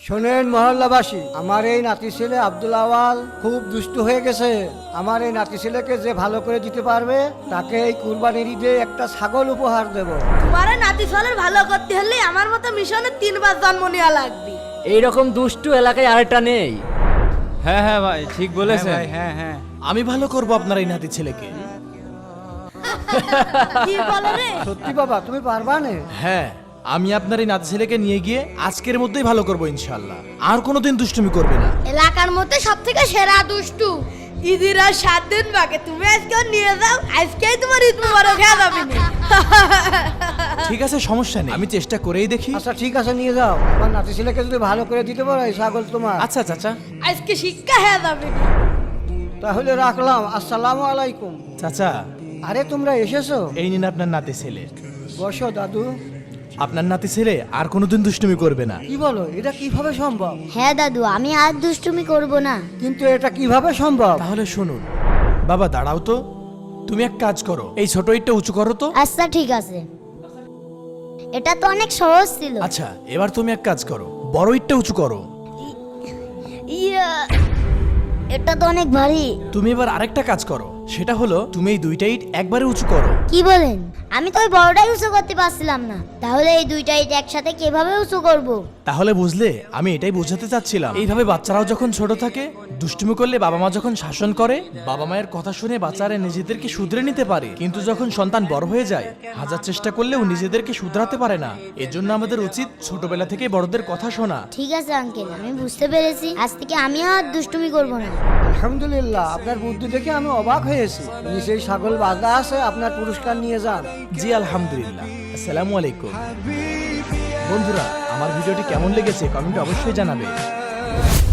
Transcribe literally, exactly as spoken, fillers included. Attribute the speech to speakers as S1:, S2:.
S1: শোনেন মহল্লাবাসী, আমার এই নাতি ছেলে আব্দুল আওয়াল খুব দুষ্ট হয়ে গেছে। আমার এই নাতি ছেলেকে যে ভালো করে দিতে পারবে তাকে এই কুরবানির ঈদে একটা ছাগল উপহার দেব।
S2: তোমার এই নাতি ছেলের ভালো করতে হলে আমার মতো মিশনে তিনবার জন্ম নেওয়া লাগবে।
S3: এইরকম দুষ্টু এলাকায় আরেকটা নেই।
S4: হ্যাঁ হ্যাঁ ভাই ঠিক বলেছেন।
S5: হ্যাঁ হ্যাঁ হ্যাঁ আমি ভালো করব আপনার এই নাতি ছেলেকে।
S2: কি বলে রে?
S1: সত্যি বাবা, তুমি পারবা না?
S5: হ্যাঁ, আমি আপনার এই নাতি ছেলেকে নিয়ে গিয়ে আজকের মধ্যেই ভালো করব ইনশাআল্লাহ। আর কোনোদিন দুষ্টুমি করবে না।
S2: এলাকার মধ্যে সব থেকে সেরা দুষ্টু। ঈদের আর সাত দিন বাকি, তুমি আজকে ওর নিয়ে যাও, আজকেই তোমার ঈদ মুবারক হয়ে যাবে না।
S5: ঠিক আছে, সমস্যা নেই, আমি চেষ্টা করেই দেখি।
S1: আচ্ছা ঠিক আছে, নিয়ে যাও। আমার নাতি ছেলেকে যদি ভালো করে দিতে পারো এই ছাগল তোমার।
S5: আচ্ছা চাচা।
S2: আজকে শিক্ষা হয়ে যাবে না।
S1: তাহলে রাখলাম, আসসালামু আলাইকুম।
S5: চাচা,
S1: আরে তোমরা এসেছো?
S5: এই নিন আপনার নাতি ছেলে।
S1: বসো দাদু।
S5: আপনার নাতি ছেলে আর কোনোদিন দুষ্টুমি করবে না।
S1: কি বলো, এটা কিভাবে সম্ভব?
S6: হ্যাঁ দাদু, আমি আর দুষ্টুমি করব না।
S1: কিন্তু এটা কিভাবে সম্ভব?
S5: তাহলে শুনুন। বাবা দাঁড়াও তো, তুমি এক কাজ করো, এই ছোট ইটটা উঁচু করো তো।
S6: আচ্ছা ঠিক আছে, এটা তো অনেক সহজ ছিল।
S5: আচ্ছা, এবার তুমি এক কাজ করো, বড় ইটটা উঁচু করো।
S6: ইয়া, এটা তো অনেক ভারী।
S5: তুমি এবার আরেকটা কাজ করো, সেটা হলো তুমি এই দুইটা ইট একবারে উঁচু করো।
S6: কি বলেন? আমি তো ওই বড়টাই উঁচু করতে পারছিলাম না, তাহলে এই দুইটা ইট একসাথে কিভাবে উঁচু করব?
S5: তাহলে বুঝলে, আমি এটাই বোঝাতে চাচ্ছিলাম। এইভাবে বাচ্চারাও যখন ছোট থাকে, দুষ্টুমি করলে বাবা মা যখন শাসন করে, বাবা মায়ের কথা শুনে বাচ্চারা নিজেদেরকে শুধরে নিতে পারে। কিন্তু যখন সন্তান বড় হয়ে যায়, হাজার চেষ্টা করলেও নিজেদেরকে শুধরাতে পারে না। এজন্য আমাদের উচিত ছোটবেলা থেকে বড়দের কথা শোনা।
S6: ঠিক আছে আঙ্কেল, আমি বুঝতে পেরেছি। আজ থেকে আমি আর দুষ্টুমি করব না।
S1: আলহামদুলিল্লাহ, আপনার বুদ্ধি দেখে আমি অবাক হয়েছি। নিচেই ছাগল বাঁধা আছে, আপনার পুরস্কার নিয়ে যান।
S5: জি আলহামদুলিল্লাহ। আসসালামু আলাইকুম। বন্ধুরা, আমার ভিডিওটি কেমন লেগেছে কমেন্টে অবশ্যই জানাবে।